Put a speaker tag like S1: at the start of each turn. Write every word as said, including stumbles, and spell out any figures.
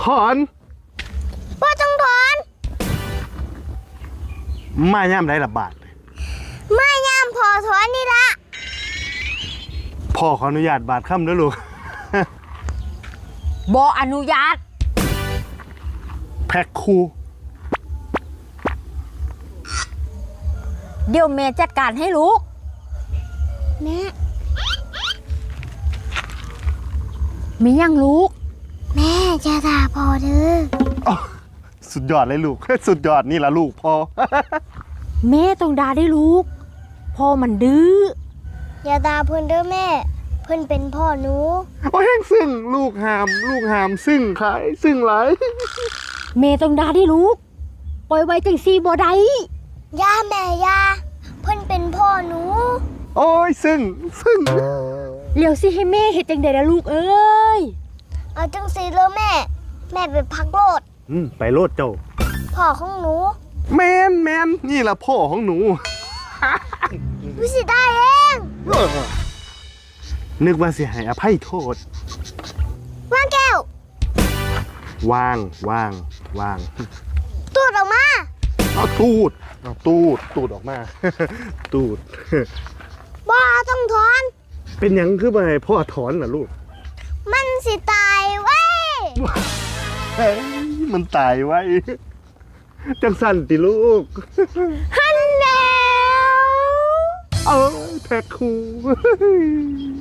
S1: ถอน
S2: บ่ต้องถอน
S1: มาย่ามได้ละบาท
S2: มาย่ามพอถอนนี่ละ
S1: พ่อขออนุญาตบาทค่ำด้วยลูก
S3: บ่อนุญาต
S1: แพ็คคู
S3: เดี๋ยวแม่จัดการให้ลูก
S2: แม่
S3: มียังลูก
S2: แม่จะด่าพอเด้อ
S1: สุดยอดเลยลูกสุดยอดนี่ละลูกพ่อ
S3: แม่ต้องด่าได้ลูกพ่อมันดื้อ
S2: อย่าด่าเพิ่นเด้อแม่เพิ่นเป็นพ่อหนู
S1: โอ้ยซึ่งลูกหามลูกหามซึ่งขายซึ่งหลาย
S3: แม่ต้องด่าได้ลูกปล่อยไว้จังซี่บ่ได้
S2: ย่าแม่ย่าเพิ่นเป็นพ่อหนู
S1: โอ้ยซึ่งซึ่ง
S3: เดี๋ยวสิให้แม่เฮ็ดจังได๋ล่ะลูกเอ้ย
S2: เอาจังซี่เลยแม่แม่ไปพักโลด
S1: อืมไปโลดเจ้า
S2: พ่อของหนู
S1: แมนแมนนี่ล่ะพ่อของหนู
S2: หนูสิได้เอง
S1: นึกว่าสิให้อภัยโทษ
S2: วางแก้ว
S1: วางวางวาง
S2: ตูดออกมา
S1: เอาตูดเอาตูดตูดออกมาตูด
S2: บ่ต้องถอน
S1: เป็นหยังคือบ่ให้พ่อถอนล่ะลูก
S2: มันสิตายไว้
S1: เฮ้ยมันตายไว้จังสั่นติลูก
S2: ฮันแล้ว
S1: เออแพ็คคู